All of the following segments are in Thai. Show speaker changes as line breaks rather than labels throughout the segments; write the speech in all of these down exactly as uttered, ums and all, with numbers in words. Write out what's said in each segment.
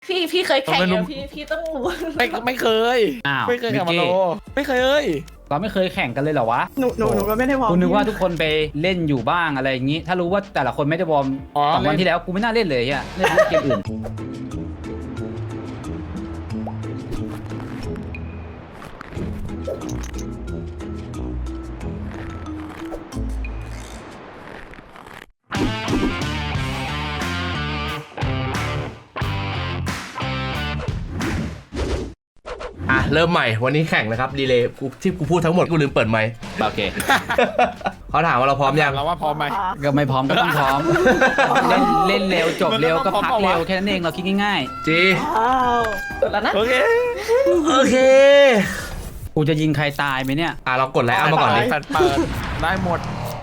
พี่พี่เคยแข่งอยู่พี่พี่ต้องรู้
ไม่ไม่เคย
อ้าว
ไม่เคย
มิ
แข่
ก
งมา
กี้
โลไม่เคยเอ้ย
เราไม่เคยแข่งกันเลยเหรอวะ
หนูหนูหนูก็ไม่ได้วอร์ม
กูนึกว่าทุกคนไปเล่นอยู่บ้างอะไรอย่างงี้ ถ้ารู้ว่าแต่ละคนไม่ได้วอร์ม
อ๋อ
สองวัน
เล่น
ที่แล้วกูไม่น่าเล่นเลยอ่ะเล่นเกมอื่น
อ่ะเริ่มใหม่วันนี้แข่งนะครับดีเลย์กูที่กูพูดทั้งหมดกูลืมเปิดไมค์
โอเค
เขาถามว่าเราพร้อมยัง
เราว่าพร้อมไหม
ก็ไม่พร้อมก็ต้องพร้อม เล่นเล่นเร็วจบเร็วก็พักเร็วแค่นั้นเองเราคิดง่าย
จี
อ้าว
สุดแล้วนะ
โอเค
โอเค
ๆ กูจะยิงใครตายไหมเนี่ย
อ่ะเรากดไลน์เอามาก่อนดิ
แฟนเปิดได้หมด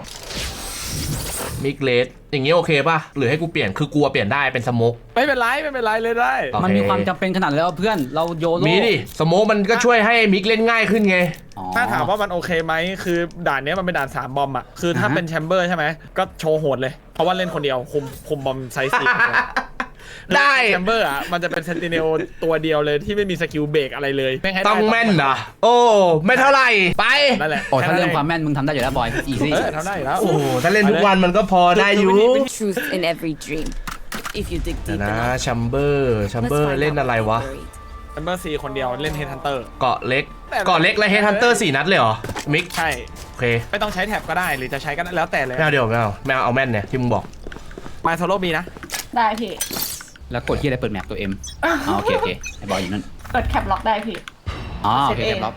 มิกเลสอย่างงี้โอเคป่ะหรือให้กูเปลี่ยนคือกลัวเปลี่ยนได้เป็นสโมก
ไม่เป็นไรไม่เป็นไรเลยได้
โอเค
มันมีความจำเป็นขนาดแล้วเพื่อนเราโยโร่
มีดิสโมกมันก็ช่วยให้มิกเล่นง่ายขึ้นไง
อ๋อ
ถ้าถามว่ามันโอเคไหมคือด่านเนี้ยมันเป็นด่านสามบอมอ่ะคือถ้า
อ่าฮะ
เป็นแชมเบอร์ใช่ไหมก็โชว์โหดเลยเพราะว่าเล่นคนเดียวคุมคุมบอมไซส์สี่
ได้
แชมเบอร์อ่ะมันจะเป็นเซนติเนลตัวเดียวเลยที่ไม่มีสกิลเบรกอะไรเลยไม่ให้ได้
ต้องแม่นนะโอ้ไม่เท่าไหร่ไป
นั่นแหละ
โอ้ถ้าเรื่องความแม่นมึงทำได้อยู่แล้วบอยอีซี่
เออทำได้อยู่แล้ว
โอ้โหถ้าเล่นทุกวันมันก็พอได้อยู่
Truth in every dream. If you dig
เดี๋ยว
deep
นะ
enough.
ชัมเบอร์ชัม
Let's
เบอร์
find
เล่น
out
อะไร
what's
วะ
buried.
แชมเบอร์ซีคนเดียวเล่นเฮดฮันเตอร์
เกาะเล็กเกาะเล็กและเฮดฮันเตอร์สี่นัดเลยเหรอมิก
ใช่
โอเค
ไม่ต้องใช้แท็บก็ได้หรือจะใช้ก็ได้แล้วแต่เลย
ไม่เอาเดี๋ยวไม่เอาไม่เอาเอาแม่นเนี่ยที่มึงบอก
มาโซโล่บีนะ
ได้พี่
แล้วกดที่อะไรเปิดแมปตัวเอ็มอ๋อโอเคโอเคไอ้บอยอยู่นั่น
กดแคปล็อกได้พี่
อ๋อโอเค
เซฟเอง
เรียบร้อย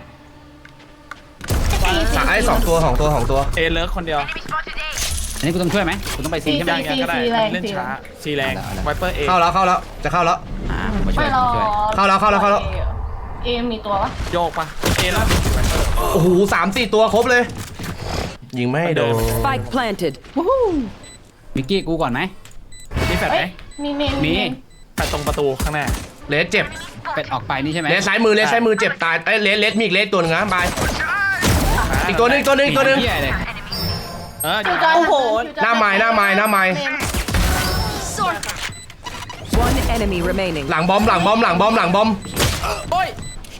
สายสองตัวของตัวของตัว
เอเลิร์กคนเดียว
อันนี้กูต้องช่วยไหมกูต้องไปซีใช่ไหม
ยังยังก็ได้เล่นช้าซีแรงไวเปอร์เอ
เข้าแล้วเข้าแล้วจะเข้าแล้ว
อ่าผมมาช่ว
ไม่
ย
รอ
ผมช่วย
เข้าแล้วเข้าแล้วเข้าแล้ว
เอมีตัววะ
โยกปะเอล่าสุดไวเปอร์
โอ้โหสามสี่ตัวครบเลย ยิงไม่ให้โดน
Spike planted.
มิกกี้กูก่อนไหม
มีแฟลช
เอ้
ไหม
ยมีเมน
มี
เน
แฟลชตรงประตูข้างหน้า
เลสเจ็บ
เป็ดออกไปนี่ใช่ไหม
เลสซ้ายมือเลสซ้ายมือเจ็บตายเอ้ยเลสเลสมีอีกเลสตัวหนึงนะบายอีกตัวหนึงอีกตัวหนึงอีกตัวหนึง
เหี้ยเลย
เออ
คิวจอย
โอ้โห
หน้าไม้หน้าไม้หน้าไม้
One enemy remaining.
หลังบอมหลังบอมหลังบอมหลังบอม
โอ้ย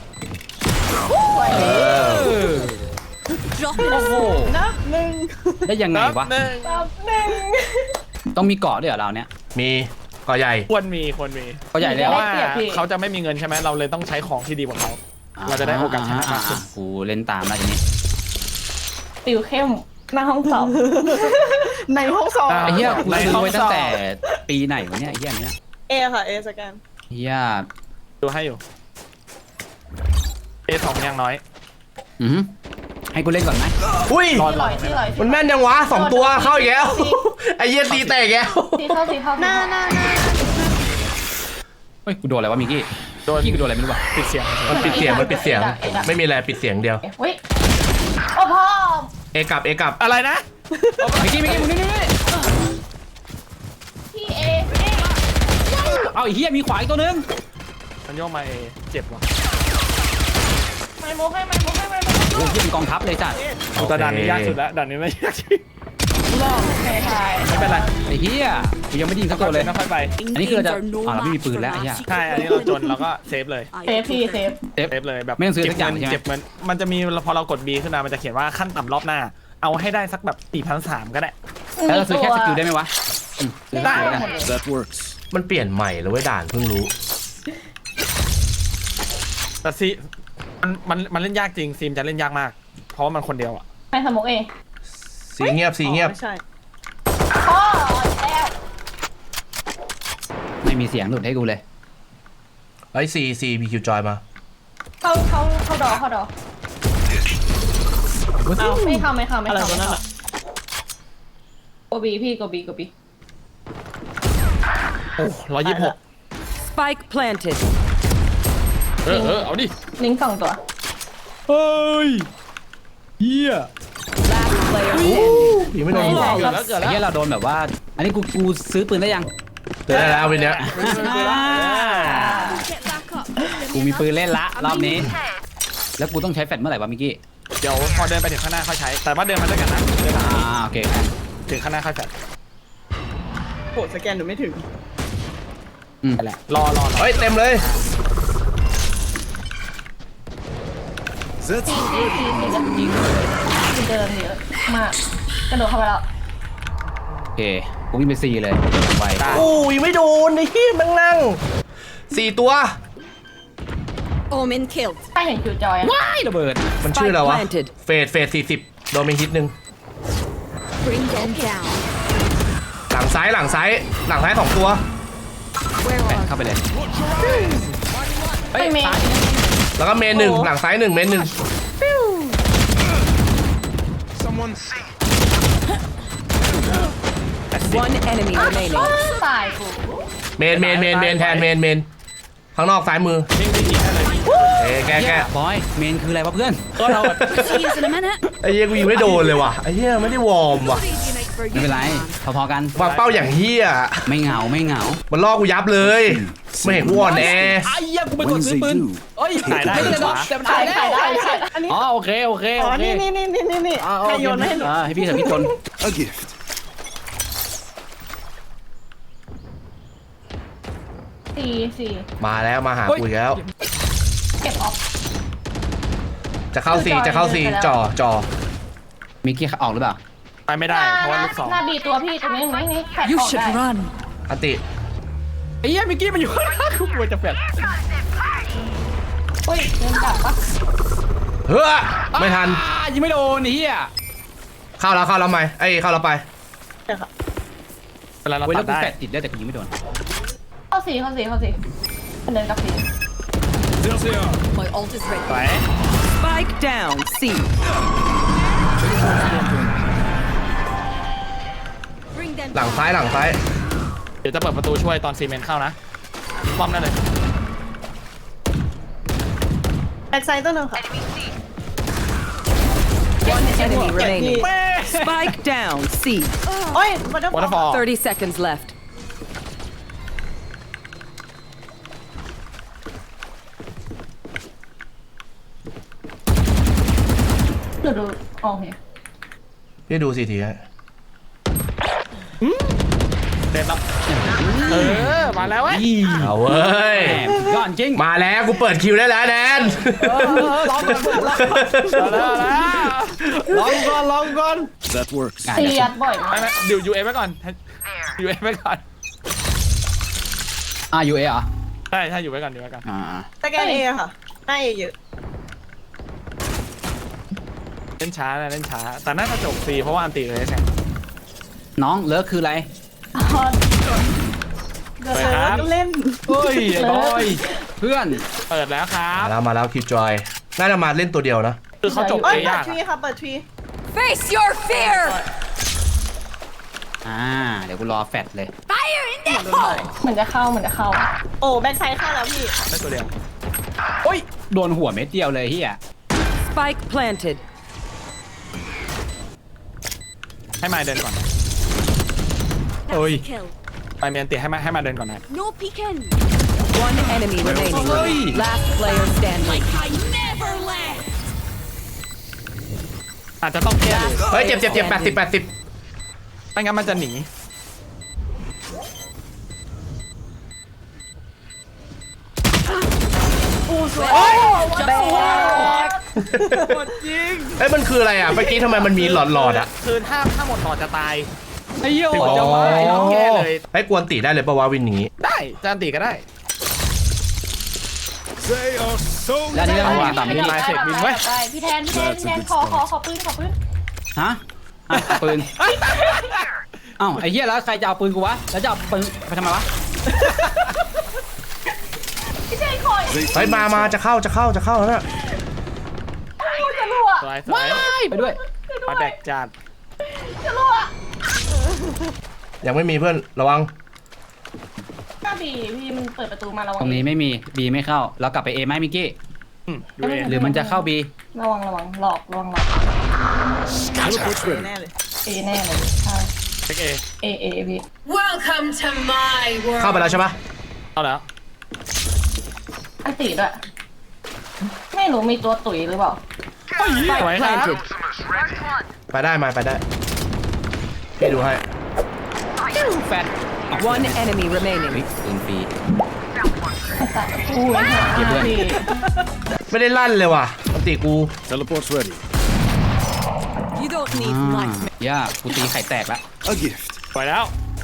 Drop
โอ้โห
นับหนึ่ง
ได้ยังไงวะ
หนึ่ง
นับหนึ่ง
ต้องมีเกาะด้วยเหรอเราเนี้ย
มีก่อใหญ่
ควรมีควรมี
เขาใหญ่เลย
เพ
เหร
ราะ
อ
ว่าเขาจะไม่มีเงินใช่ไหมเราเลยต้องใช้ของที่ดีกว่าเขา เราจะได้โอกาสชนะมากขึ้น
อ่กูเล่นตามแล้วทีนี้
ติวเข้มหน้าห้องสอบ
ในห้องสอบ
ไอ้เหี้ยกู
ใน
ซื้อ
ห้อง
ไว้ตั้งแต่
สอบ
ปีไหนวะเนี่ยไอ้เหี้ยอันเนี้ย
เอค่ะเอสแกน
เหี้ย
ดูให้อยู่เอสองยังน้อย
อือหือให้กูเล่นก่อนไหม
อุ้ย
รอ
ที่ลอยที่ลอย
มันแม่นยังวะสองตัวเข้าอีกแล้วไอ้เหี้ยตีแตกแล้ว
ที่เข้าที่เข้า
หน้าหน้าหน้า
เฮ้ยกูโดนอะไรวะมิกกี้
โดน
กี้กูโดนอะไรไม่รู้ว่ะ
ปิดเสียง
มันปิดเสียงมันปิดเสียง ไม่มีอะไรปิดเสียงเดียว
เฮ้ยโอ้พ่อ
เอกลับเอกลับ
อะไรนะ
มิกกี้มิกกี้มึงนี่นี่นี่
พี่เอ
เอาไอ้เหี้ยมีขวาอีกตัวนึง
มันโยกมาเอเจ็บว่ะ
ไม่โมให้ไม่โมให้ไม่โม
โอ้ยเหี้ยเป็นกองทัพเลยจ้ะ
แต่ด่านนี้ยากสุดแล้วด่านนี้ไม่ยากจริง
ให้ทาย
ไม่เป็นไร
ไอ้เหี้ยกูยังไม่ไดยิงสักตัวเลย
ไม่ค่อยไป
อันนี้คือเราจะอ่าเราไม่มีปืนแล้วไอ้เหี้ย
ใช่อันนี้เราจนเราก็เซฟเลย
เซฟพี่เซฟ
เซฟ
เซฟเลยแบบ
ไม่ต้องซื้อสักอย่าง
เงิน
ใช่ไหม
เจ็บเงินมันจะมีพอเรากด B ขึ้นมามันจะเขียนว่าขั้นต่ำรอบหน้า เอาให้ได้สักแบบสี่พันสามก็ได้
แล้วเราซื้อแค่สกิลได้ไหมวะอืมซื้อ
ได้
สกิลกัน
มันเปลี่ยนใหม่แล้วเว้ยด่านเพิ่งรู้
แต่ซีมันมันมันเล่นยากจริงซีมจะเล่นยากมาก เพราะว่ามันคนเดียวอ่ะ
ไม่สมกเอ
สีเงียบสีเงียบ
ไม่ใช่
พ่อแล้ว
ไม่มีเสียงหลุดให้กูเลย
ไอ้ซีซีบีคิวจอยมา
เข้าเข้าเข้าดอเข้าดอเอาไม่เข้าไม่เข้าไม่
อะไร
เข้า
ตัวนั้นอ่ะ
โกบีพี่โกบีโกบี
โอ้ร้อยยี่สิบหก
Spike planted.
เออเออเอาดิ
ลิงก์สองตัว
เฮ้ยเหี้ย
Last player standing.
ยิงไม่โดนหัว
เกิดแล้วเกิด
ไอ้
แล้ว
เหี้ยเราโดนแบบว่า อันนี้กูกูซื้อปืนได้ยัง
เจอได้แล้ววันเนี้ย
กูมีปืนเล่นละรอบนี้ แล้วกูต้องใช้แฟลชเมื่อไหร่วะมิกกี้
เดี๋ยวพอเดินไปถึงข้างหน้าค่อยใช้ แต่ว่าเดินมาด้วยกันนะเดินมา
อ่าโอเค
ถึงข้างหน้าค่อยแฟด
โหสแกนหนูไม่ถึง
อืม
นั่นแหละรอรอรอ
เฮ้ยเต็มเลย
ทีทีทีทีจะยิงคือเดินเยอะมากกระโดดเข้าไปแล้ว
โอเคกูวิ่งไปซีเลยไว
อู้ยไม่โดนไอ้ที่มันนั่งสี่ตัว
Omen killed.
ถ้าเห็นคิวจอยอะ
ว้ายระเบิด
มันชื่ออะไรวะ
Spike planted.
เฟสเฟสสี่สิบโดนไปฮิตหนึ่ง
Bring them down.
หลังซ้ายหลังซ้ายหลังซ้ายสองตัว
Where
แปะ
are
เข้าไปเลย
เฮ้ยเมย์
แล้วก็เมนหนึ่งหลังซ้ายหนึ่งเมนหนึ่ง
one enemy remaining?
ตายกู
เมนเมนเมนเมนแทนเมนเมนข้างนอกซ้ายมือ
นิ่งนิ่งยิงได้เลย
เอ้ยแก้แก้
บอยเมนคืออะไรวะเพื่อน
ก็เรา
See you in a minute.
ไอ้เหี้ยกูยิงไม่โดนเลยว่ะไอ้เหี้ยไม่ได้วอร์มว่ะ
ไม่เป็นไรพอๆกัน
วางเป้าอย่างเหี้ย
ไม่เหงาไม่เหงา
มันล่อกูยับเลยไม่เห็นกูอ่อนแอ
ไอ้เหี้ยกูไปกด
When
ซื้อ
they
ปืน
do,
เอ้ย
ถ่ายได้
ไม่ได้
ข
หรอ
วาก
แต่มัน
ถ่า
ถ่าย ยได้
ถ่ายได้ถ่าย
อันนี้
อ๋อโอเคโอเค
อ๋
โอ
อ
เค
นี่นี่นี่นี่นี่
อ๋อ
ใครโยนมาให้หนู
อ่าให้พี่กับพี่จน
a gift.
สี่สี่
มาแล้วมาหากูอีกแล้ว
เก็บออฟ
จะเข้าซีจะเข้าซีจ่อจ่อ
มิกกี้ออกหรือเปล่า
ไปไม่ได้เพราะว่าลูกสอง
หน้าบีตัวพี่ตรงนี้ตรงนี้นี่แฟด
You
ออก
should
ได้
run.
อันติ
ไอ้เหี้ยมิกกี้มันอยู่ข้างหน้ากูกลัวจะแฟด
อุ้ยเดินกลับปะ
เฮ้อไม่ทัน
อ่ายิงไม่โดนไอ้เหี้ย
เข้าแล้วเข้าแล้วไหมไอ้ยเข้าแล้วไป
เวลาเรา
เว้ย
ตั
แล้ว
ด
กู
ได้
แฟดติดได้แต่กูยิงไม่โดน
เข้าสี่เข้าสี่เข้าสี่เดินกลับสี่
My ult is ready.
ไป
Spike down. C. Bring them
หลังซ้ายหลังซ้าย
เดี๋ยวจะเปิดประตูช่วยตอนซีเมนต์เข้านะป้อมได้เลย
แบ็กไซด์ตัวหนึ่งค่ะ
One enemy
Yeah,
remaining.
yeah.
Spike down. C.
โอ้ยมันจะ
วอเตอร์ฟอล
Thirty seconds left.
ดูดูโอเค
พี่ดูสิทีฮะ
เดินรับเออมาแล้วเว้ย
เอาเว้ย
แหมยอดจริง
มาแล้วกูเปิดคิวได้แล้วแนน
ลองก่อนเพื่อนลองก่อน
เอาแล้วเอาแล้ว
ลองก่อนลองก่อน
That works.
ตียัดบ่อย
ไม่
มาก
ไม่ดิวยูเอฟไว้ก่อนยูเอฟไว้ก่อน
อ่ายูเอเหรอ
ใช่ใช่อยู่ไว้ก่อนอยู่ไว้ก่อน
อ่า
สแกนเอค่ะหน้าเอเยอะ
เล่นช้านะเล่นช้าแต่น่าจะจบซีเพราะว่าอันตีเลยไง
น้องเลิกคืออะไร
เดี๋ยวเซิร์ชเล่น
เฮ้ยไอ้บอยเพื่อน
เปิดแล้วครั
มา
บ
แล้วมาแล้วคิวจอยน่าจะมาเล่นตัวเดียวนะ
คือเขาจบ
โอ้
เอย
เปิด
ยาก
ทวีค่ะเปิดทวี
Face your fear.
อ่าเดี๋ยวกูรอแฟดเลย
Fire in the hole.
เหมือนจะเข้าเหมือนจะเข้า
โอ้แบ็กไซด์เข้าแล้วพี่
ได้ตัวเดียว
โอ้ยโดนหัวเม็ดเดียวเลยเฮีย
Spike planted.
ให้มาเดินก่อน
โอ้ย
Kill.
ไปเมียนตีให้มาให้มาเดินก่อนนะ
No peeking. One enemy remaining.
Oi.
Last player standing.
I never left.
อาจจะต้องแก้เลย
เฮ้ยเจ็บเจ็บเจ็บแปดสิบแปดสิบ
ไม่งั้นมันจะหนี
เอ้ยมันคืออะไรอ่ะเมื่อกี้ทำไมมันมีหลอดหลอดๆอ่ะ
คือถ้าถ้าหมดหลอดจะตาย
ไอ้เหี้ย
ถึง
โอ้
จะมาต้องแก้เลย
ให้กวนตีได้เลยปะวะวินอย่างงี้
ได้จะอันตีก็ได้
They are so
แล้วอันนี้เรา
เอา
ไม่
ว่ะ
มีต่อไม่มี
มาเสร็จบินไว้
ได้พี่แทนพี่แทนพี่แทนขอขอขอปืนขอปืน
ฮะอ่ะปืนเอ้าไอ้เหี้ยแล้วใครจะเอาปืนกูวะแล้วจะเอาปืนไปทำไมวะ
พี่แทนขอ
เฮ้ยมามาจะเข้าจะเข้าจะเข้าแล้วนะ
พูดจะรั่ว
สวยสวย
ไปด้วย
มาแบกจัด
จะรั่ว
ยังไม่มีเพื่อนระวัง
หน้าบีพี่มันเปิดประตูมาระวัง
ตรงนี้ไม่มีบีไม่เข้าแล้วกลับไปเอไหมมิกกี้
อืมดูเอง
หรือมันจะเข้าบี
ระวังระวังหลอกระวังหลอก
teleport's ready.
แน่เลย
เอแน่เลยใช่
เช็คเอ
เอเอพี่
Welcome to my world.
เข้าไปแล้วใช่ปะ
เอาแล้ว
อันตีด้วยไม่รู้มีตัวตุ๋ยหรือเปล่า
สวยครับ
Planted.
ไปได้มาไปได้พี่ดูให้
แฟด
One enemy remaining.
ปืนฟรี
อุ้ย
เก็บเพื่อน
พี่
ไม่ได้ลั่นเลยว่ะอันติกู
Teleport's ready.
You don't
อ่
need
า
my
ย่ากูตีไข่แตกละ
A gift.
ปล่อยแล้ว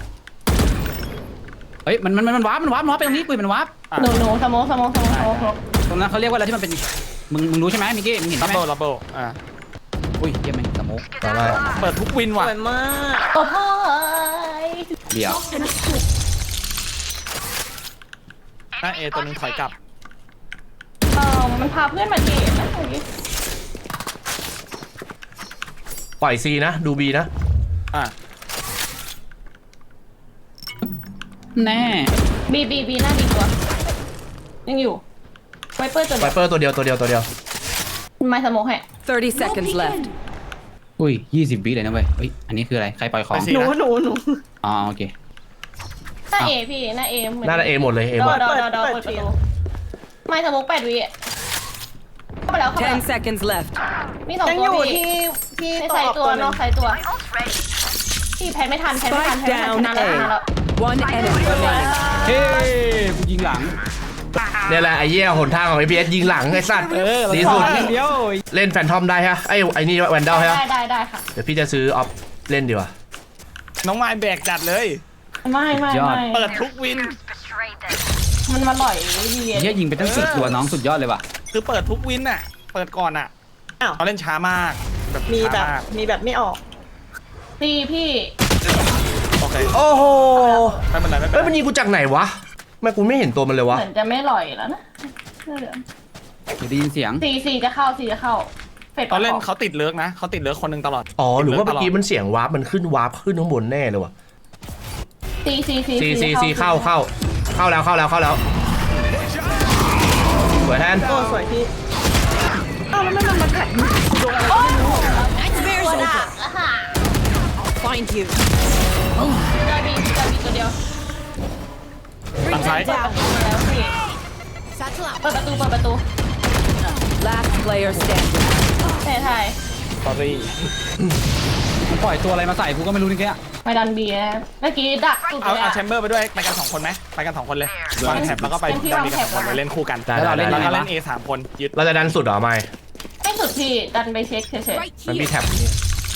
เฮ้ยมันมันมันวาร์ปมันวาร์ปมันวาร์ปไปตรงนี้ปืนมันวาร์ป
หนูหนูสโมองสโมองสโมองสโมอง
ตรงนั้นเขาเรียกว่าอะไรที่มันเป็นมึงมึงรู้ใช่ไหมมิกกี้มึงเห็น
ดั
ใช่
บ
ไหม
เบิลดับเบิลอ่า
อุ้ยเยี่ยมแม่งสโมก
ต่อไป
เปิดทุกวิน
ส
ว่ะ
วยมาก
โอ้โห
เดี๋ยว
หน้าเอตัวหนึงถอยกลับ
เออมันพาเพื่อนมาเดทนะตรงนี้
ปล่อยซีนะดูบีนะ
อ่ะ
แน่
บีบีบีหน้าบีตัวยังอยู่ไวเปอร์ตัว
ไว
เดียว
เปอร์ตัวเดียวตัวเดียวตัวเดียว
ไม่สโมองให้
thirty seconds left.
อุ้ยยี่สิบวิเลยนะเว้ยเฮ้ยอันนี้คืออะไรใครปล่อยของ
ไปสิ
หนูหนูหนู
อ๋อโอเค
หน้าเอพี่หน้าเอเหมือน
หน้าเอหมดเลยเอ
ด
หม
อ
ด
ดอดอดอเปิดประตูไม่สโมองแปดวิเข้าไปแล้วเข้าไป
Ten
แล้ว
seconds left.
มีสอง
ยัง
ตั
อ
ว
ยู่
พี่
ที่ที่
ใน
ตัว
ใส่
ออก
ตั
ตัว วห
น
นึ
อง กใส่ตัวพี่แพ้ไม่ทันแพ้ไม่ทัน
Spike
แพ้ไม่ทันช
down
นะแล้วชนะแล้ว
A. One enemy remaining.
เฮ้ยกูยิงหลัง
เนี่ยแหละไอ้เหี้ยหนทางของไอพีเอสยิงหลังไอ้สัตว์ดีสุด
เดียว
เล่นแฟนทอมได้ฮะไอ้ไอ้นี่แวนดอลใช่ปะ
ได้ได้ได้ค่ะ
เดี๋ยวพี่จะซื้อออฟเล่นดีกว่า
น้องไม้แบกจัดเลย
ไม่ไม่ไม่
เปิดทุกวิน
มันมาหล่อยดี
เฮียยิงไปตั้งสิบตัวน้องสุดยอดเลยว่ะ
คือเปิดทุกวินน่ะ เปิดก่อนอ่ะ
อ้าว
เขาเล่นช้ามากแบบ
มี
ช้า
แบบ
มาก
มีแบบไม่ออก
ตีพี่
โอเค
โอ้โห
ไม่เป็นไรไม่เป็น
เอ้ย
ไร
มันยิงกูจากไหนวะแม่กูไม่เห็นตัวมันเลยวะ
เหมือนจะไม่หล่อยแล้วนะเสื้อเหลือง
เดี๋ยวได้ยินเสียง
สี่สี่จะเข้าสี่จะเข้าเฟด
ตอนเล่นเขาติดเลิกนะเขาติดเลิกคนหนึ่งตลอด
อ๋อหรือว่า
ติ
เมื่
ด
อ
ลิ
กี้
ตลด
มันเสียงวาร์ปมันขึ้นวาร์ปขึ้นข้างบนแน่เลยวะ
สี่สี่สี่
ซีซีซีเข้าเข้าเข้าแล้วเข้าแล้วเข้าแล้วสวยแทน
โอ้สวยพี่อ้าวแล้วไม่มันมาแข่ง
ตัวด่าอ่ะค่ะ
Find you.
จอยบีจอยบีตัวเดียว
ทางซ้าย
เปิดประตูมาแล้วพี่เปิดประตูเปิดประตู
Last player standing.
ใช่ใช่
สอรี่
มันปล่อยตัวอะไรมาใส่กูก็ไม่รู้นี่แก
ไม่ดันบีนะเมื่อกี้ดักสุด
เอา
เลย
เอา
อะ
แชมเบอร์ไปด้วยไปกันสองคนไหมไปกันสองคนเลยวางแถบแล้วก็ไป
เป็นที่
ดัน
วาง
ดีกันสองคน
แถบ
เลยเล่นคู่กัน
ได้
แล้วเรา
ได้
เล่น
ได้
แล้วก็
อะไร
เล่
วะ
น A สามคนยึด
เราจะดันสุดเหรอไม่
ไม่สุดพี่ดันไปเช็คเฉย
มันมีแท็บนี่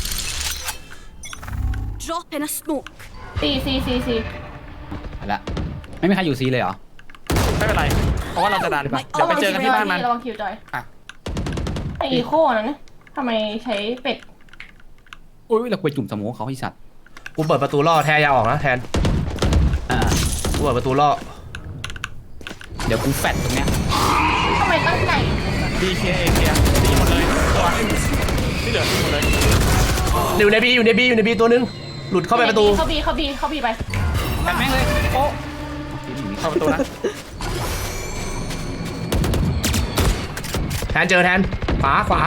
Drop in a smoke.
ๆสี่สี่สี่สี่
ไปละไม่มีใครอยู่ซีเลยเหรอ
ไม่เป็นไรเพราะว่าเราจะดันเดี๋ยวไปเจอกันที่บ้านมัน
ระวังคิวจอย
อ่ะ
ไออีโคนะเนี่ยทำไมใช้เป็ด
อุ้ยเราไปจุ่มสโมกเขาไอ้สัตว์
กูเปิดประตูล่อแทนอยาออกนะแทน
อ่า
กูเปิดประตูล่อ
เดี๋ยวกูแฟดตรงเนี้ย
ทำไมตั้งใจ
B K A เคลียร์ดีหมดเลยตัวที่เหลือดีหมดเลย
อยู่ในบีอยู่ในบีอยู่ในบีตัวนึงหลุดเข้าไปประตู
เข้าบีเข้าบีเข้าบีไป
แฟดแม่งเลยโอ้
เข้าประตูนะ
แทนเจอแทนขวาขวา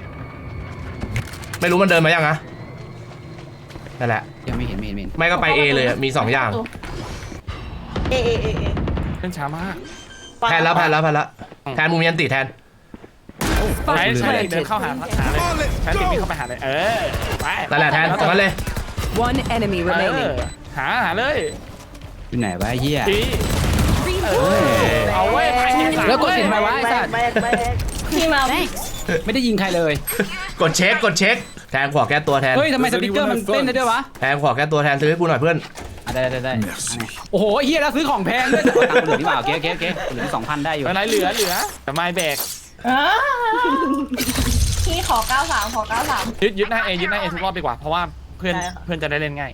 ไม่รู้มันเดินมายังนะนั่นแหละ
ยังไม่เห็นไม่เห็นไม่เห็น
ไม่ก็ไป A เลยอะมีสองอย่าง
เอเอเอเอ
เล่นช้ามาก
แทนแล้วแทนแล้วแทนแล้วแทนมุมยันติแทน
ใช้
Spike
ใช้เดิน
planted.
เข้าหาหาเลยใช้ติดวิ่งเข้าไปหาเลยเออไป
นั่นแหละแทนตรงนั้นเลย
One enemy
เออ
remaining.
หาหาเลย
อยู่ไหนวะไอ้เหี้ย
ดีเออเอาไว้ไปที่สาม
แล้วกดสิทำไมวะไอ้สัตว์
แบกแบก
พี่มา
ไม่ได้ยิงใครเลย
กดเช็คกดเช็คแทนขวาแก้ตัวแทน
เฮ้ยทำไมสติ๊กเกอร์มันเต้นได้ด้วยวะ
แทนขวาแก้ตัวแทนซื้อให้กูหน่อยเพื่อน
อ่ะได้ได้ได้
Merci.
โอ้โหไอ้เฮียแล้วซื้อของแพงด้วยตังค์เหลือที่เปล่าเก๊เก๊เก๊เหลือสองพันได้อยู่
เป็นไรเหลือเหลือแต่ไม่แบก
อ่าพี่ขอเก้าสามขอเก้าสาม
ยึดยึดหน้าเอยึดหน้าเอทุกรอบดีกว่าเพราะว่าเพื่อนเพื่อนจะได้เล่นง่าย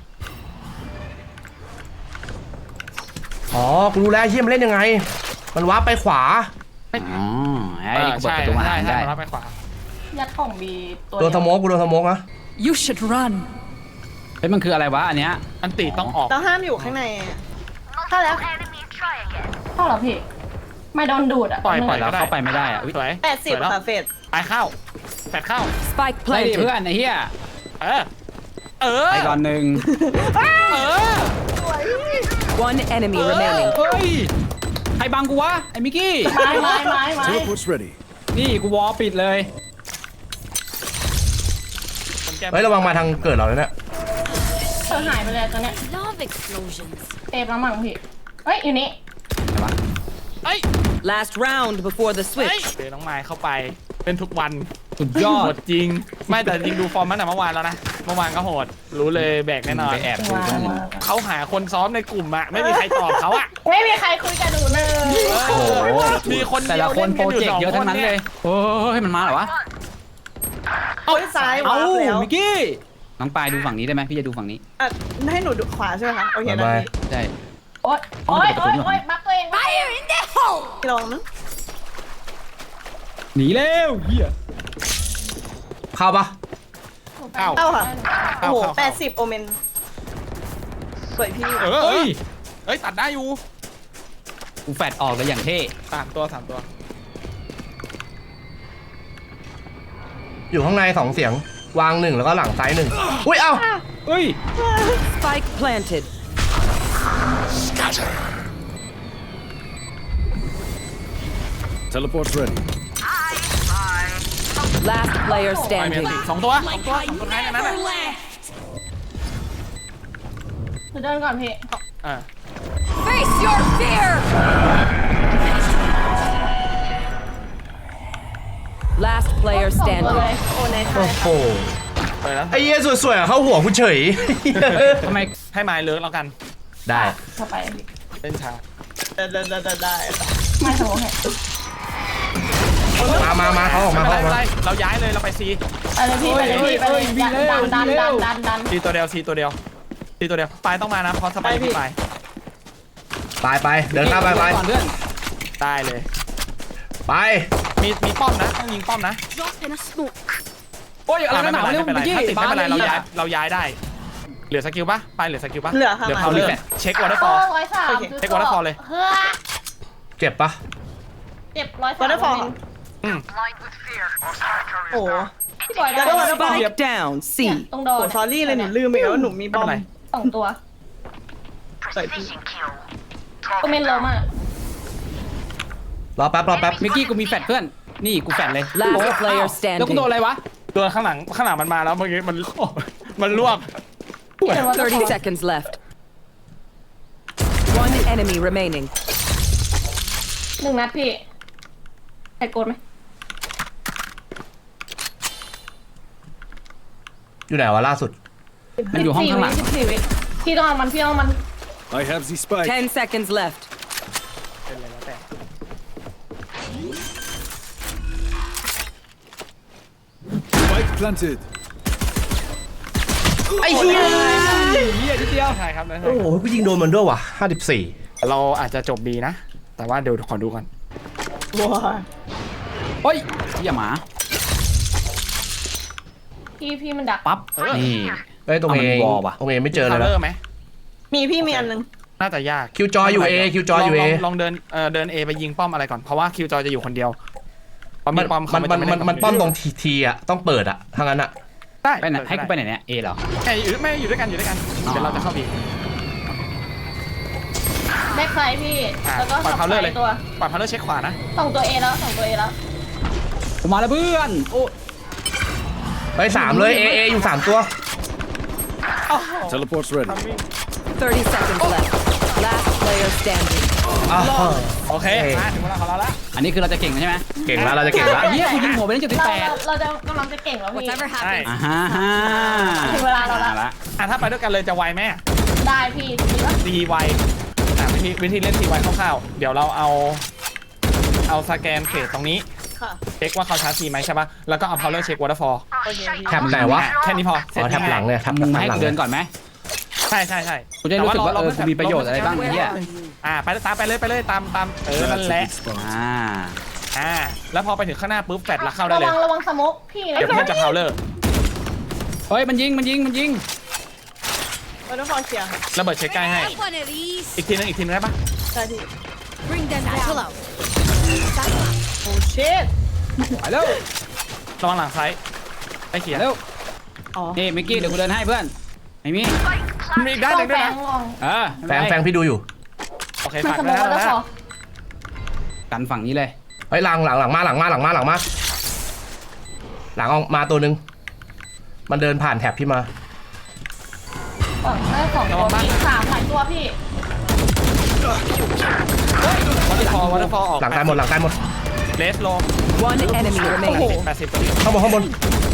อ๋อกูรู้แล้วเฮียมันเล่นยังไง มันวาร์ปไปขวา
อ๋อไอ้
เออ
กูเปิด
ใช่
ประตูมา
ใช่
หา
ใช่
ได้
มารับไปขวา
ยัดของบีตัว
โดนสโมกกูโดนสโมกนะ
You should run.
เฮ้ยมันคืออะไรวะอันเนี้ย
อันติต้องออก
ต้องห้ามอยู่ข้างในอะเข้าแล้ว
เข้าเหรอพี่ไม่โดนดูดอ่ะ
ปล่อยปล่อย
แล้วเข้าไปไม่ได้อะอุ๊ย
สวย
แปดสิบ
สวยแล้ว
ค่ะเฟด
ไปเข้าแปดเข้า
Spike
ไล่ดิ
planted.
เพื่อนไอ้เหี้ย
เออเออ
ไปก่อนหนึ่ง
เออ
One enemy remaining.
เฮ้ยใครบังกูวะไอ้มิกกี้
ไม้ไม้ไม้ไม้
Teleport's ready.
นี่กูวอลปิดเลย
คนแก้
เฮ้ยระวังมาทางเกิดเราเลยเนี่ย
ไปอหายไปเลยตอนเนี้ย
Love explosions.
เอฟแล้วมั้งพี่เฮ้ยอยู่นี่
เอ้ย
Last round before the
เฮ้ย
switch.
เจอน้องไม้เข้าไปเป็นทุกวัน
สุดยอ
โห
ด
ดจริง ไม่แต่จริงดูฟอร์มมันแต่เมื่อวานแล้วนะเมื่อวานก็โหดรู้เลยแบกแน่นอน
ไปแอบดู
ว้าว
เพื่อน
ว้าว
เขาหาคนซ้อมในกลุ่มอะไม่มีใครตอบเขาอะ
ไม่มีใครคุยกับหนูเลย
โอ้โห
มีคน
แต่ละคนโปรเจกต์เยอะทั้งนั้นเลยโอ้ยมันมาเหรอวะ
โอ้ยซ้าย
เอ้าว
าร์ปแล้ว
มิกกี้น้องปายดูฝั่งนี้ได้ไหมพี่จะดูฝั่งนี้
อ่ะให้หนูดูขวาใช่ไหมคะโอเคนะ
บาย
พี่
ใช่
โอ๊ยโอ๊ยโอ๊ยโอ๊ยบักตัวเองบักตัวเอง
Fire in the hole.
พี่ลองนะ
หนีเร็วเฮีย
เข้าปะ
เข้า
เอ้าค่ะโอ้โห
เข้า
แปดสิบโอเมนสวยพี่
เออเอ้ยเอ้ยตัดได้อยู่
กูแฟดออกเลยอย่างเท่
สามตัวสามตัว
อยู่ข้างในสองเสียงวางหนึ่งแล้วก็หลังซ้ายหนึ่งอุ้ยเอ้า
เฮ้ย
Spike planted.
Teleport's ready.
Last player
ไปเมีย
standing.
สี่สองตัวสองตัวสองตัวท้ายในนั้น
Never
อะ
left.
หนูเดินก่อนพี่
อ่า
Face your fear. Last player
สองตัวเลย
standing.
โอ้ในไท
โอ้
ย
โห
ไปแล้ว
ไอ้เหี้ยสวยๆอะเข้าหัวกูเฉย
ทำไม
ให้ไม้เลิกแล้วกัน
ได้
เข้าไปพี่
เล่นช้า
ได้ได้ได้ได้ได้
ไม่สมองเห็น
มามามาเขาออก
ไม่
มา
เป็น
เขาออกมา
ไรไม่เป็นไรเราย้ายเลยเราไปซี
ไปเลยพี่ไปเลยพี่ไปเลยดันดันดันดันดันดัน
ซีตัวเดียวซีตัวเดียวซีตัวเดียวปลายต้องมานะเพราะสบายพี่ปลาย
ไปไปเดินข้ามไปไป
ก่อนเพื่อน
ได้เลย
ไป
มีมีป้อมนะต้องยิงป้อมนะ
Drop in a smoke.
โอ้ยอะไร
ไม่
กันห
เป็น
นาว
ไร
เร็ว
ไม่เป็นไร
มิกกี้
ถ้าติดไม่เป็นไรเรา
บ้
ย้ายเราย้ายได้เหลือสกิลปะปลายเหลือสกิลปะ
เหลือค่ะ
เดี๋ยว
มา
เขาเลือกเช็ควอเตอร์ฟ
โอ้
อล
ร้อยสาม
เช็ควอเตอร์ฟอลเลย
เฮ้อ
เจ็บปะ
เจ็บร้อยสาม
วอเตอร์ฟอล
อืม
โอ้โห
พี่บอยได้
แล้วก็ Waterfall
Spike down. C.
ตรงโด
โอ้
น
ซอรี่เลยหนูลืมไปแล้วว่าหนูมีบ
ไม่
อ
เป็
ม
นไร
สองตัว
ใส่พี่
ก็เมนโลมาก
รอแป๊บรอแป๊บ
มิกกี้กูมีแฟดเพื่อน นี่กูแฟดเลย
Last
โอ้ย
player
อ้าว
standing
แล้วกูโดนอะไรวะ
ตัวข้างหลังข้างหลังมันมาแล้วเมื่อกี้มันมันรวบ
thirty seconds left. One enemy remaining.
หนึ่งนัดพี่ใครโกนไหม
อยู่ไหนวะล่าสุด
มันอยู่ห้องข้างหลัง
สิบสี่วิพี่ต้องเอามันพี่ต้องเอามัน
I have the spike.
Ten seconds left.
เป็นอะไรแล้วแต่
Spike planted.
ไอ้เหี้ย
เฮียนิดเดียว
ใช่ครับนะ
โอ้โหกูยิงโดนมันด้วยว่ะห้าสิบสี่
เราอาจจะจบดีนะ แต่ว่าเดี๋ยวขอดูก่อน
ว้า
โอ้ยเฮียหมา
พี่พี่มันดัก
ปั๊บ นี่
ไอ้ยตรง
เอา
เอ
มัน
ง
วอลว่ะ
ตรงเอไม่เจอเลย
เล
นะ
อร์ไหม
มีพี่มีอันนึง
น่าจะยาก
คิวจอยอยู่ A คิวจอยอยู่ A
ลงลองเดินเอ่อเดิน A ไปยิงป้อมอะไรก่อนเพราะว่าคิวจอยจะอยู่คนเดียวพอ
มั
มี
น
ป้อม
มันมันมันมันป้อมตรง
ที
ทีทีอะต้องเปิดอะถ้างั้นอะ
ได้
ไปไหนให้กูไปไหนเนี่ย เอเหรอ
ไม่อยู่ไม่อยู่ด้วยกันอยู่ด้วยกัน
อ๋อ
เดี๋ยวเราจะเข้าบี
แบ็คไซด์พี่
อ่ะ
แล้วก็
ปล่อย
สอง
พาวเลอร์เลย
ตัว
ปล่อยพาวเลอร์เช็คขวานะ
สองตัวเอแล้วสองตัวเอแล้ว
กูมาแล้วเพื่อน โอ้
ไปสามเลย A A อยู่สามตัว
Teleport's ready.
Thirty seconds left. Last player standing.
อ้าว
โอเค
เอ้ย
มาถึงเวลาของเราละ
อันนี้คือเราจะเก่งใช่ไหม
เก่งแล้วเราจะเก่งแล้ว
ไอ้เฮียกูยิงหัวไปได้จุดที่
เรา
แปด
เราเราจะกำลังจะเก่งแล้วพี่
Whatever
ใช่
happens.
อ่าฮะฮะ
ถึงเวลาเราละ
อ่ละ
อ่ะถ้าไปด้วยกันเลยจะไวไหม
ได้พี่ดีปะ
ซีไวอ่ะวิธีวิธีเล่นซีไวคร่าวๆเดี๋ยวเราเอาเอาสแกนเฟสตรงนี้
ค่ะ
เช็คว่าเขาชาร์จซีไหมใช่ปะแล้วก็เอาพาวเลอร์เช็ควอเตอร์ฟอล
โอเคพี่
แท็บไหนวะ
แค่นี้พอเสร็จ
อ๋อแท็บหลังเนี่ยแท็บ
มึงมา
แท็
ให้
บหลั
กู
ง
เดินก่อนไหม
ใช่ใช่ใช่
กูจะได้รู้สึกว่าเออกูมีประโยชน์อะไรบ้างไอ้เหี้ย
อ่าไปตามไปเลยไปเลยตามตามเออ
That's
นั่น
a
แหละ
good spot.
อ่า
อ่าแล้วพอไปถึงข้างหน้าปุ๊บแฟดแล้วเข้าได้
ระ
เลย
วังระวังสโมกพี่
เดี๋ยวเพื่อนจะพาวเลอร์
เฮ้ย มันยิง มันยิง มันยิง
วอเตอร์ฟอลเคลียร์ค่ะ
ระเบิดเช็คใกล้ให้
Have one of these.
อีกทีนึงอีกทีนึงได้ปะ
ได้พี่
Bring them down.
โอ้ชิต
ไปเร็ว
ระวังหลังซ้ายไปเขียน
เร็ว
อ๋อ
นี่มิกกี้ เดี๋ยวกูเดินให้เพื่อน ไม่มี
มีอีกด้าน
ต้
ห
อ
นึ่
ง
ง
แฝ
ด้วยนะ
งลอง
เออ
แฟงแฟงพี่ดูอยู่
โอเค
มัน
ฝาก
สโม
ด้วย
ก
นะ
แล้ว
นะ
พอ
กันฝั่งนี้เลย
เฮ้ยหลังหลังหลังมาหลังมาหลังมาหลังมา หลังออกมาตัวหนึ่งมันเดินผ่านแท็บพี่มา
ฝั่งได้สองตัวพี่สามหลายตัวพี่
วัตถุฟอร์วัตถุฟอร์ออก
หลังตายหมดหลังตายหมด
เลสลง
One enemy remaining.
แปดสิบ
ข้างบนข้างบน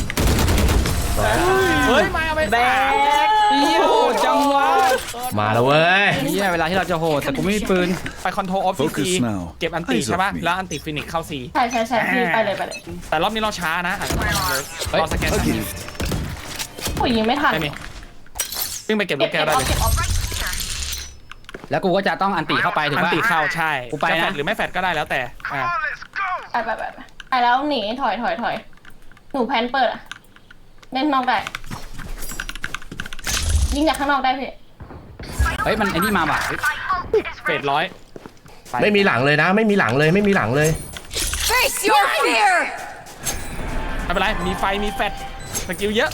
เฮ้ยมาเอาไป
แบก
เหี้ยโหดจังวะ
มาแล้วเว้ย
เหี้ยเวลาที่เราจะโหดแต่กูไม่มีปืน
ไปคอนโทรลออฟซี
Focus now
เก็บอันติ
Eyes
ใช่ป่ะ
off me
แล้วอันติฟินิกเข้าซี
ใช่ใช่ใช่พี่ไปเลยไปเลย
แต่รอบนี้เราช้านะอาจจะต้องร
เฮ้ย
อสแกน
A
สักนิด
gift.
โอ้ยยิงไม่ทัน
ไม่มีซึ่งไปเก็บลู
เก็
ก
บ
แก้
เก็
ว
บ
ได้
ออฟ
เลย
เก็บออฟ
แล้วกูก็จะต้องอันติเข้าไปถูก
อัน
ป่ะ
ติเข้าใช่
กูไปนะ
จแฟดหรือไม่แฟดก็ได้แล้วแต่อ่า
ไปไปไปไปไปแล้วหนีถอยถอยถอยหนูแพนเปิดอะเล่นนอกได้ยิงจากข้างนอกได้พี่
เฮ้ยมันไอ้นี่มาว่ะ
เฟดร้อยป
ไม่มีหลังเลยนะ ไม่มีหลังเลยไม่มีหลังเลย
Face your fear.
ไม่เป็นไรมีไฟมีแฟดสกิลเยอะ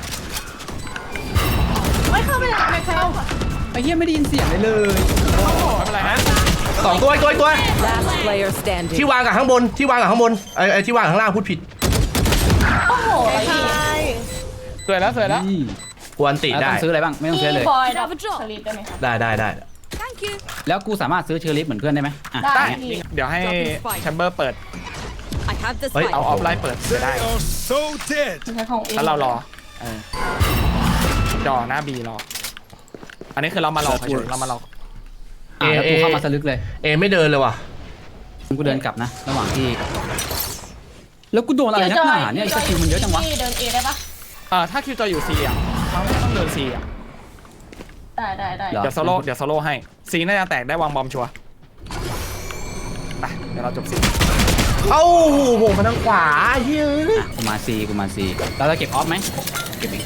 ไม่เข้าไปเลยไม่เข้า
ไอ้เหี้ยไม่ได้ยินเสียงเลยเลย
ไม่เป็นไรนะ
สองตัวอีกตัวอีกตัว
Last player
ที่
standing.
วางกับข้างบนที่วางกับข้างบนไอ้ไอ้ที่วางกับข้างล่างพูดผิด
โอ้โห
ใช่
สวยแล้วสวยแล้ว
นี่
กวนติ
แล้ว
ได้
ต้องซื้ออะไรบ้างไม่ต้องซื้อเลย
บอยดับสลีปได้ไหมคะ
ได้ได้ได้
Thank you.
แล้วกูสามารถซื้อเชอร์ลิฟเหมือนเพื่อนได้ไหมอ่ะ
ได้
ได้
พี่
เดี๋ยวให้แชมเบอร์เปิด
I have the
เฮ้ย
spike.
เอาออฟไลน์เปิดไปได้
They are so dead.
ใช้ของเอง
แล้วเรารอเออจอหน้าบีรอ อันนี้คือเรามารอเฉยๆเรามารอ
อ่ะแล้วกูเข้ามาสลึกเลย
เอไม่เดินเลยว่ะ
กูเดินกลับนะ ระหว่างที่ แล้วกูโดนอะไรนักหนาเนี่ยไอ้สกิลมันเยอะจังวะ
พี่เดินเอได้ปะ
เออถ้าคิวจอยอยู่ซีอ่ะเราไม่ต้องเดินซีอ่ะ
ได้ได้ได้
เหรอ
เดี๋ยวโซโล่เดี๋ยวโซโล่ให้ซีน่าจะแตกได้วางบอมชัวร์ไปเดี๋ยวเราจบซี
เอ้าโหมาทางขวาเฮ้ย
อ่ะกูมาซีกูมาซีเราจะเก็บออฟไหมเก็บเอง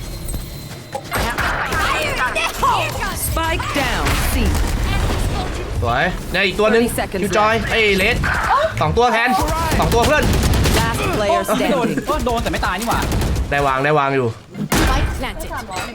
Spike down. C.
สวยเนี่ยอีกตัวหนึง
thirty seconds
คิวจอยไอ้เลสสองตัวแทนสองตัวเพื่อน
Last player
โดน
standing.
ก็โดนแต่ไม่ตายนี่หว่า
ได้วางได้วางอยู่
Spike planted.
สามร้อย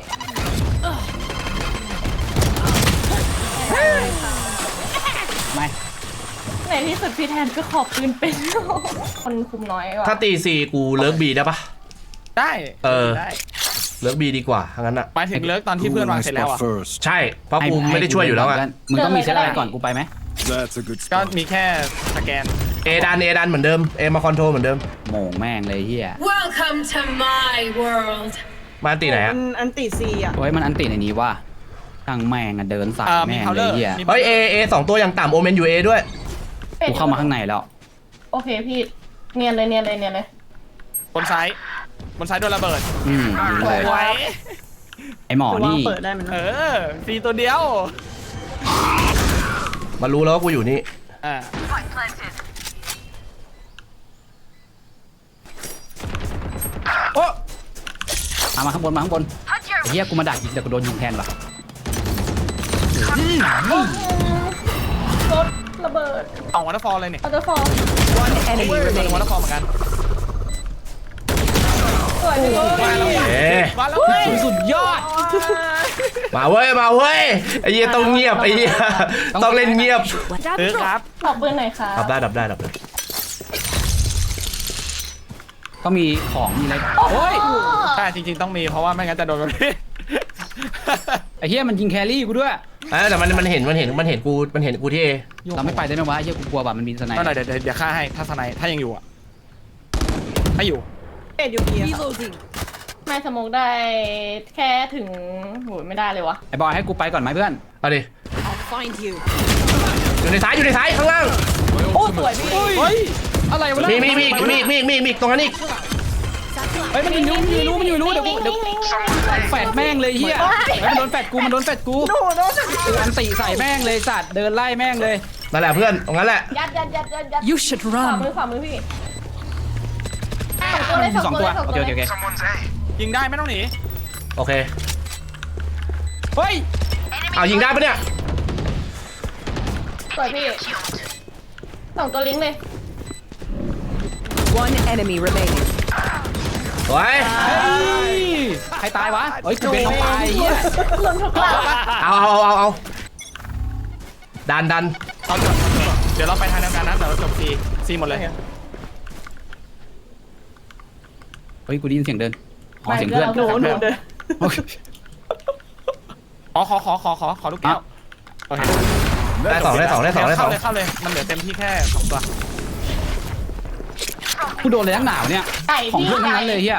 ไม่
ในที่สุดพี่แทนก็ขอบปืนเป็น คนคุมน้อยว่ะ
ถ้าตีสี่กูเลิกบีได้ปะ
ได้
เออ
ได้
เลิกบีดีกว่าทั้งนั้นอ่ะ
หมายถึงเลิกตอนที่
Who
เพื่อน
will
วาง
I
เสร็จแล้ว
spot
อ่ะ
first?
ใช่เพราะกูไม่ได้ช่วยอยู่แล้วไง
มึงต้องมีเซตอะไรก่อนกูไปไหม
That's a good
ก็
spot.
มีแค่สแกน
เอดันเอดันเหมือนเดิมเอมาคอนโทรลเหมือนเดิม
โหม่งแม่งเลยเฮีย
Welcome to my world.
มาตีไหน
มั
อ่ะ
นอันติซีอ่ะ
โอ้ยมันอันติในนี้ว่าตั้งแม่งอะเดินสาย
เอ่อมี
แม่ง
เคา
เล
เลย อร์
เฮีย
มี
เฮ้ยเอเอสองตัวอย่างต่ำโอเมนอยู่เอด้วย
กูเข้ามาข้างในแล้ว
โอเคพี่เนียนเลยเนียนเลยเนียนเลย
บนซ้ายบนซ้ายโดนระเบิด
อืมยิงเลย
ไว้
ไอหมอ
ตัว
นี่
เปิดได้มัน
เออฟรีตัวเดียว
มารู้แล้วว่ากูอยู่นี่
อ่า
โอ้มามาข้างบนมาข้างบนไอ้เฮียกูมาดักยิงแต่กูโดนยิงแทนว่ะ
รถระเบิด
สองวันฟอลเลยเนี่ย
อัลเตอร์ฟอร์
One enemy
วัน
remaining.
ฟอลเหมือนกัน
สวยพี่
มาแล้ว
เอ๊ะ
มาแล้วเว้ย
สุดยอด
มาเว้ยมาเว้ยไอ้เหี้ยต้องเงียบไอ้เหี้ยต้องเล่นเงียบ
เออครับ
ขอบปืนหน่อยค่ะ
ดับได้ดับได้ดับได้
ต้องมีของมีอะไรโอ้ย
ใช่จริงๆต้องมีเพราะว่าไม่งั้นจะโดนแบบนี้
ไอ้เฮียมันยิงแครี่กูด้วย
เออแต่มันมันเห็นมันเห็นมันเห็นกูมันเห็นกูที่เอ
เราไม่ไปได้ไหมวะไอ้เฮียกูกลัวแบบมันมีสไน
ก็หน่อยเดี๋ยวเดี๋ยวเดี๋ยวฆ่าให้ถ้าสไนถ้ายังอยู่อ่ะถ้าอยู่
เป็ดอยู่ดีอะ
Reloading.
ไม่สโมกได้แค่ถึงโหไม่ได้เลยวะ
ไอ้บอยให้กูไปก่อนไหมเพื่อน
เอาดิ
I'll find you.
อยู่ในซ้ายอยู่ในซ้ายข้างล่าง
โอ้สวยพี่
เฮ้ยอะไรวะ
มีมีมีอีกมีอีกมีอีกมีอีกมีอีกตรงนั้นอีก
เฮ้ยมันอยู่มันอยู่รู้มันอยู่รู้เดี๋ยวกูเดี๋ยวแฟดแม่งเลยเฮียมันโดนแฟดกูมันโดนแฟดกูกูอันติใส่แม่งเลยสัตว์เดินไล่แม่งเลย
นั่นแหละเพื่อนตรงนั้นแหละ
ยัดยัดยัดยัดยัด
You should
ขวามือ
run.
ขวามือพี่สองตัวเลย
สองตัว
เลย
โอเคโอเคโอเค
ยิงได้ไม่ต้องหนี
โอเค
เฮ้ย
เอายิงได้ปะเนี่ย
สวยพี่สองตัวลิงก์เลย
One enemy remaining.
สวย
ใครตายวะเฮ้ยกูเป็นน้องปลายเฮีย
หล่นทุกหลัง
เอาเอาเอาเอาดันดัน
เอาจบเดี๋ยวเราไปทางเดียวกันนะเดี๋ยวเราจบซีซีหมดเลย
เฮ้ยกูได้ยินเสียงเดินอ๋อเสียงเพื่อน
หนูหนูเดิน
โอเค
ขอขอขอขอขอขอลูกแก้วโอเค
ได้สองได้สองได้สองได้สอง
เข้าเลยเข้าเลยมันเหลือเต็มที่แค่สองตัว
กูโดนอะไรทั้งหนาวเนี่ย
ไก่
ของ
พี่
เพื่อนทั้งนั้นเลยเฮีย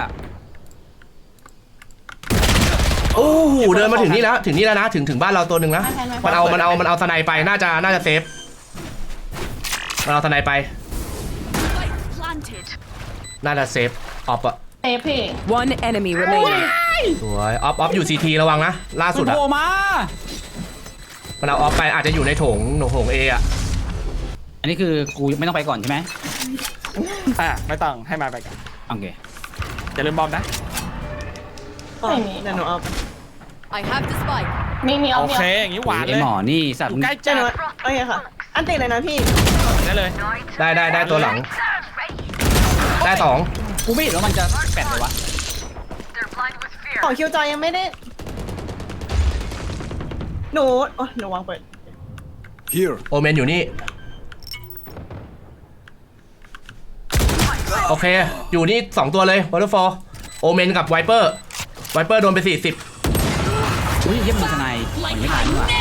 โอ้โหเดินมาถึงนี่แล้วถึงนี่แล้วนะถึงถึงบ้านเราตัวหนึ่งนะมันเอามันเอามันเอาสไนไปน่าจะน่าจะเซฟมันเอาสไนไป
Planted.
น่าจะเซฟออฟอะ
เตะพี่
One enemy remaining.
สวยออฟออฟอยู่ซีทีระวังนะล่าสุด
มัน
อะ
โผล่มา
มันเอาออฟไปอาจจะอยู่ในโถงโถงเออะ
อันนี้คือกูไม่ต้องไปก่อนใช่ไหม
อ่ะไม่ต้องให้มาไปกัน
โอเค
อย่าลืมบอมนะ
ไม่มี
เดี๋ยวหนูเอาไป
I have the spike.
มีมีเอา
โอ
มี
เค
เอา
อย่างนี้หวาน
ไอ
เลย
หมอนี่สัต
อ
ว์
ยู่ใกล้
เดี๋ยวหนู
จัด
โอเคค่ะ อันติเลยนะพี่
ได้เลย
ได้ได้ได้ตัวหลัง ได้สอง
กูไม่เห็นว่ามันจะแปดเลยวะ
ของคิวจอยยังไม่ได้ หนูโอ้ยหนูวางเปิด
Here.
โอเมนอยู่นี่โอเคอยู่นี่สองตัวเลยวอเตอร์ฟอลโอเมนกับไวเปอร์ไวเปอร์โดนไปสี่สิบ
อุ้ยเยี่ยมมีทนายมันไม่ทันว่ะ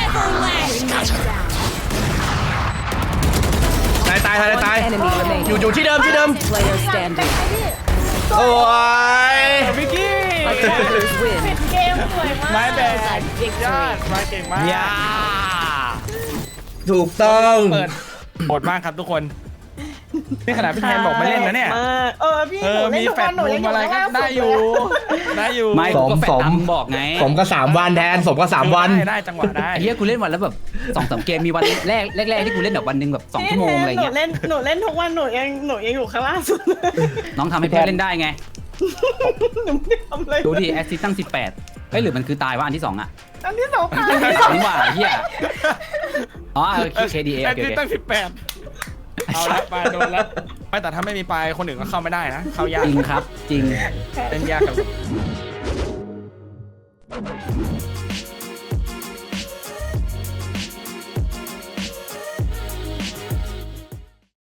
ตายตายตาย
One
ตาย
enemy
อยู่
remaining.
อยู่ที่เดิมที่เดิม
Player standing.
โอ้ย
วิกกี้
Players win.
เกมสวยมาก
ไม่แบกยอดมาเก่งมาก
อย่า
ถูกต้อง
เปิดโหดมากครับทุกคนนี่ขนาดพี่แทนบอกไม่เล่นนะเนี่ย
มากเออพี่
เอ
หนู
อ
เล่น
มี
ทุก
แฟ
วั
ด
นหนู
มุ
ยัง
มอะไรก็ได้อยู่ ได้อยู่
ไม่กูก็แฟดตามมึงบอกไง
ผมก็สามวันแทนสมก็สามวัน
ได้ได้จังหวะได้
ไอ้เหี้ยกูเล่นวันแล้วแบบสองสามเกมมีวันแรกแรกๆที่กูเล่นแบบวันหนึ่งแบบสองชั่วโมงอะไร
หนู
เงี้ย
เล่นหนูเล่นทุกวันหนูยังหนูยังอยู่ข้างล่างสุดเลย
น้องทำให้เพื่อนเล่นได้ไง
หนูไม่ทำเลย
ดูดิแอสซิสตั้งสิบแปดเฮ้ยหรือมันคือตายวะอันที่สองอะ
อันที่สองค่ะ
นี่หว่าเหี้ยอ๋อเออ เค ดี เอ
แอ
โอ
ด
เค
มิน
โอเค
ตั้งสิบแปดเอาละปลาโดนแล้วไม่แต่ถ้าไม่มีปลายคนอื่นก็เข้าไม่ได้นะ เข้ายาก
จริงครับจริง
เล่นยากกับ